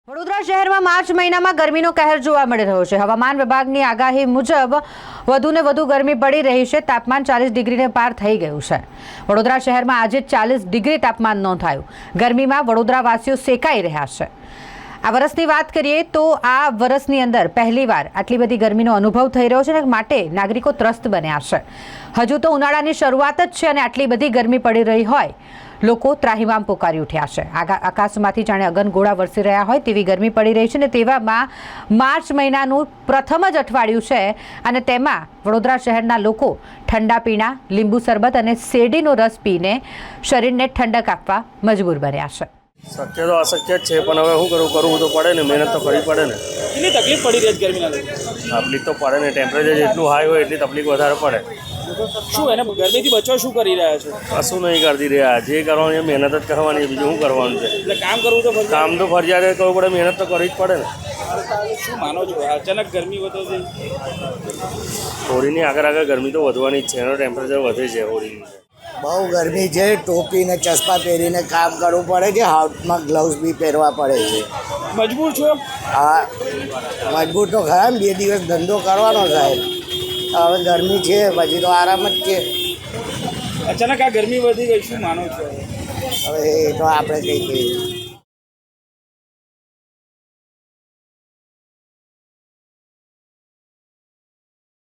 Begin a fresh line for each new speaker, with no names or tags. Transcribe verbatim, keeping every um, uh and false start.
વડોદરા શહેરમાં માર્ચ મહિનામાં ગરમીનો કહેર જોવા મળી રહ્યો છે। હવામાન વિભાગની આગાહી મુજબ વધુને વધુ ગરમી પડી રહી છે। તાપમાન ચાલીસ ડિગ્રીને પાર થઈ ગયું છે। વડોદરા શહેરમાં આજે ચાલીસ ડિગ્રી તાપમાન નોંધાયું। ગરમીમાં વડોદરાવાસીઓ સેકાઈ રહ્યા છે। આ વર્ષની વાત કરીએ તો આ વર્ષની અંદર પહેલીવાર આટલી બધી ગરમીનો અનુભવ થઈ રહ્યો છે, માટે નાગરિકો ત્રસ્ત બન્યા છે। હજુ તો ઉનાળાની શરૂઆત જ છે અને આટલી બધી ગરમી પડી રહી હોય લોકો ત્રાહિમામ પોકારી ઉઠ્યા છે। આકાશમાંથી જાણે અગનગોળા વરસી રહ્યા હોય તેવી ગરમી પડી રહી છે અને તેવામાં માર્ચ મહિનાનું પ્રથમ જ અઠવાડિયું છે અને તેમાં વડોદરા શહેરના લોકો ઠંડા પીણા, લીંબુ શરબત અને શેરડીનો રસ પીને શરીરને ઠંડક આપવા મજબૂર બન્યા છે।
શક્ય તો અશક્ય જ છે, પણ હવે શું કરું કરવું તો પડે ને, મહેનત તો કરવી પડે ને।
કેટલી તકલીફ પડી રહી છે ગરમીના લીધે?
તકલીફ તો પડે ને, ટેમ્પરેચર જેટલું હાઈ હોય એટલી તકલીફ વધારે પડે।
શું એને ગરમીથી બચવા શું કરી રહ્યા છો?
કશું નહીં કરતી રહ્યા, જે કરવાનું એ મહેનત જ કરવાની, બીજું શું કરવાનું છે?
એટલે કામ કરવું તો ફરજિયાત?
કામ તો ફરજિયાત કરવું પડે, મહેનત તો કરવી જ પડે ને।
શું માનો છો અચાનક ગરમી વધે છે?
હોળીની આગળ આગળ ગરમી તો વધવાની જ છે, એનો ટેમ્પરેચર વધે છે હોળીની।
બહુ ગરમી છે, ટોપીને ચશ્મા પહેરીને કામ કરવું પડે છે, હાથમાં ગ્લવ્સ બી પહેરવા પડે છે।
મજબૂર છો?
હા, મજબૂર તો ખરા ને, બે દિવસ ધંધો કરવાનો સાહેબ। હવે ગરમી છે પછી તો આરામ જ છે।
અચાનક આ ગરમી વધી ગઈ, શું માનો છો?
હવે એ તો આપણે કંઈ કહીએ।